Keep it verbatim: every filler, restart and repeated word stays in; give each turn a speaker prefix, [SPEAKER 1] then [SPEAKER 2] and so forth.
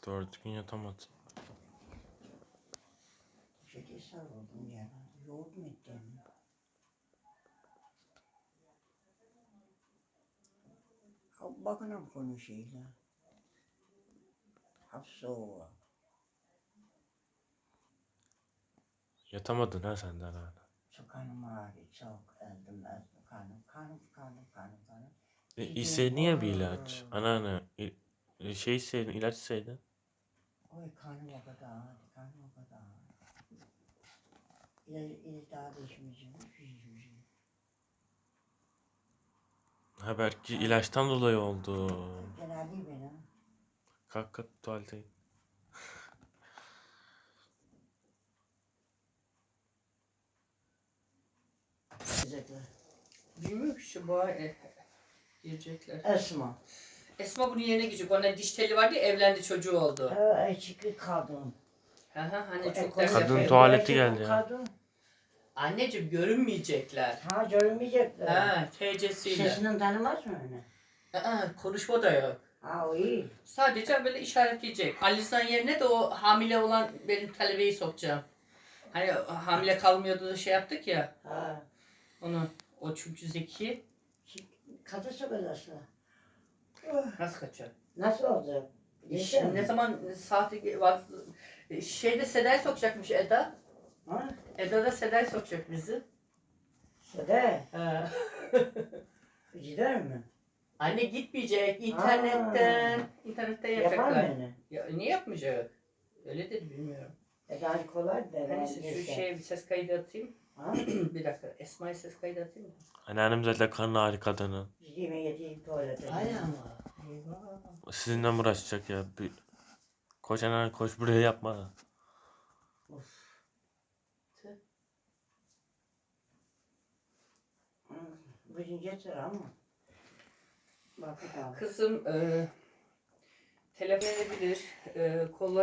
[SPEAKER 1] Doğru düzgün yatamadı.
[SPEAKER 2] Şöyle sarıldım ya. Yoğurt mu ettim? Bakınım konuşuyla. Hafsa o.
[SPEAKER 1] Yatamadın ha senden hala.
[SPEAKER 2] Çok kanım ağrıyor, çok eldim eldim kanım, kanım, kanım, kanım, kanım.
[SPEAKER 1] E,
[SPEAKER 2] Gideyim,
[SPEAKER 1] istedin ya bir
[SPEAKER 2] oy.
[SPEAKER 1] ilaç. Anneanne. İ- e, şey istedin, ilaç istedin.
[SPEAKER 2] Oy kanım o kadar ağrıyor, kanım o kadar ağrıyor. İlaç, ilaç daha da içmeyeceğim, içmeyeceğim.
[SPEAKER 1] Ha belki ilaçtan dolayı oldu.
[SPEAKER 2] Fena değil benim.
[SPEAKER 1] Kalk kalk tuvalete git.
[SPEAKER 2] Güzel.
[SPEAKER 3] Bilmiyorum ki şu boğa e, girecekler.
[SPEAKER 2] Esma.
[SPEAKER 3] Esma bunun yerine gidecek. Onun diş teli vardı ya, evlendi, çocuğu oldu.
[SPEAKER 2] Ay çıkı kadın.
[SPEAKER 3] Hı hı, hani
[SPEAKER 2] E,
[SPEAKER 3] çok
[SPEAKER 2] kadın
[SPEAKER 3] ders
[SPEAKER 1] Kadın
[SPEAKER 3] yapıyor.
[SPEAKER 1] tuvaleti geldi ya.
[SPEAKER 2] Kadın.
[SPEAKER 3] Anneciğim görünmeyecekler.
[SPEAKER 2] Ha görünmeyecekler.
[SPEAKER 3] Ha, T C'siyle.
[SPEAKER 2] Sesinden tanımaz mı öyle?
[SPEAKER 3] Aa, konuşma da yok.
[SPEAKER 2] Ha o iyi.
[SPEAKER 3] Sadece böyle işaretleyecek. Alisan yerine de o hamile olan benim talebeyi sokacağım. Hani hamile kalmıyordu da şey yaptık ya.
[SPEAKER 2] Ha.
[SPEAKER 3] Onu. O çünkü zeki.
[SPEAKER 2] Kadın sokacaksa.
[SPEAKER 3] Nasıl kaçıyor?
[SPEAKER 2] Nasıl olacak?
[SPEAKER 3] Şimdi ne zaman saati var? Şeyde Seda'yı sokacakmış Eda.
[SPEAKER 2] Ha?
[SPEAKER 3] Eda da Seda'yı sokacak bizi.
[SPEAKER 2] Sede.
[SPEAKER 3] He.
[SPEAKER 2] Gider mi?
[SPEAKER 3] Anne gitmeyecek. İnternetten. İnternetten
[SPEAKER 2] Yapar
[SPEAKER 3] yapacaklar.
[SPEAKER 2] mı?
[SPEAKER 3] Ya, niye yapmayacak? Öyle dedi, bilmiyorum.
[SPEAKER 2] E daha kolay da.
[SPEAKER 3] Hani şu şeye bir ses kaydı atayım.
[SPEAKER 2] Ha?
[SPEAKER 3] Bir dakika. Esma'ya ses kaydı atayım mı?
[SPEAKER 1] Anneannem zaten karnı ağrı kadını.
[SPEAKER 2] Gideyim yediğim tuvalete.
[SPEAKER 3] Ay ama. Eyvah.
[SPEAKER 1] Sizinle mi uğraşacak ya? Bir... Koş anneanne koş, buraya yapma.
[SPEAKER 3] Tüh.
[SPEAKER 2] Bugün getir ama. Bak bakalım.
[SPEAKER 3] Kızım e, telefon edebilir. E, kolları